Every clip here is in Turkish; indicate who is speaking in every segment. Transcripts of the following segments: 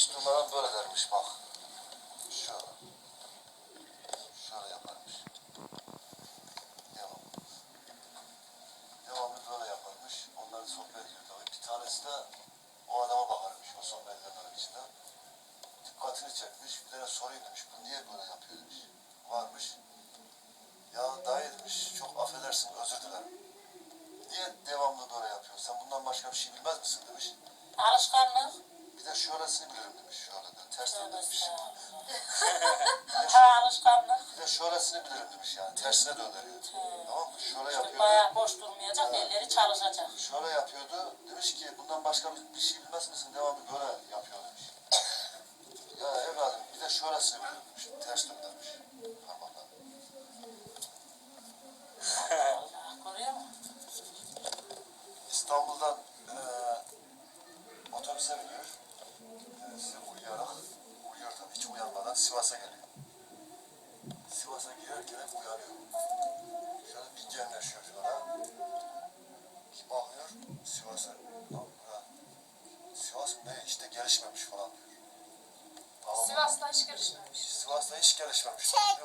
Speaker 1: İç numaram böyle dermiş bak. Şöyle. Şöyle yaparmış. Devam. Devamlı böyle yaparmış. Onların sohbet ediyor tabii. Bir tanesi de o adama bakarmış o sohbetlerin içinden. Dikkatini çekmiş. Bir tane sorayım demiş. Bu niye böyle yapıyor demiş. Varmış. Ya dayı demiş. Çok affedersin, özür dilerim. Niye devamlı böyle yapıyorsun? Sen bundan başka bir şey bilmez misin demiş.
Speaker 2: Alışkanlık.
Speaker 1: Bir de şöylesini bilirim demiş. Şöyle de ters döndürmüş.
Speaker 2: Alışkanlık.
Speaker 1: Bir de şöylesini bilirim demiş yani. Tersine döndürüyor. Tamam mı? Şöyle
Speaker 2: İşte
Speaker 1: yapıyordu.
Speaker 2: bayağı boş durmayacak, elleri çalışacak.
Speaker 1: Şöyle yapıyordu. Demiş ki bundan başka bir şey bilmez misin? Devamlı böyle yapıyor demiş. Ya evladım bir de şöylesini bilirim demiş. Ters döndürmüş. Parmakla.
Speaker 2: Allah, görüyor musun?
Speaker 1: İstanbul'dan otobüse biniyor. Kendisi uyuyor tabii hiç uyanmadan Sivas'a geliyor. Sivas'a girerken hep uyanıyor. Şöyle bir genleşiyor şöyle. Bir bakıyor Sivas'a. Sivas ne işte gelişmemiş falan diyor. Tamam.
Speaker 3: Sivas'ta hiç gelişmemiş.
Speaker 1: Sivas'ta hiç gelişmemiş. Yok.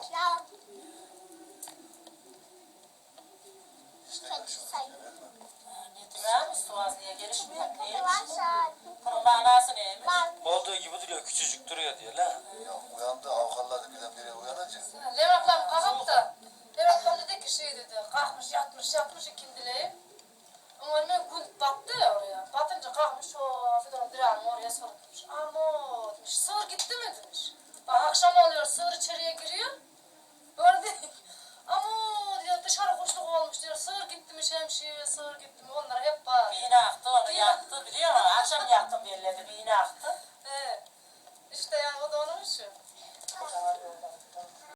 Speaker 1: Hiç de gelişmemiş.
Speaker 2: Nedir abi? Suaz niye gelişmiyor? Neymiş bu? Bunun manası neymiş?
Speaker 4: Olduğu gibi duruyor, küçücük duruyor diyor la.
Speaker 1: Ya uyandı avkalladı birdenbire uyanınca.
Speaker 3: Levent ablam kalkıp da Levent ablam dedi ki şey dedi. Kalkmış yatmış ikindileyim. Ama hemen gün battı ya oraya. Batınca kalkmış o Fidan Diran'ı oraya sarılmış. Ama demiş sığır gitti mi demiş. Bak akşam oluyor sığır içeriye giriyor. Böyle dedi. Ama diyor dışarı kuşluk olmuş diyor. Sığır gitti mi şemsiye sığır gitti mi onlar hep var.
Speaker 2: Bir iğne aktı, onu yaktı biliyor musun? Akşam yaktım yerlerde bir iğne aktı.
Speaker 3: He. İşte yani o da onun işi.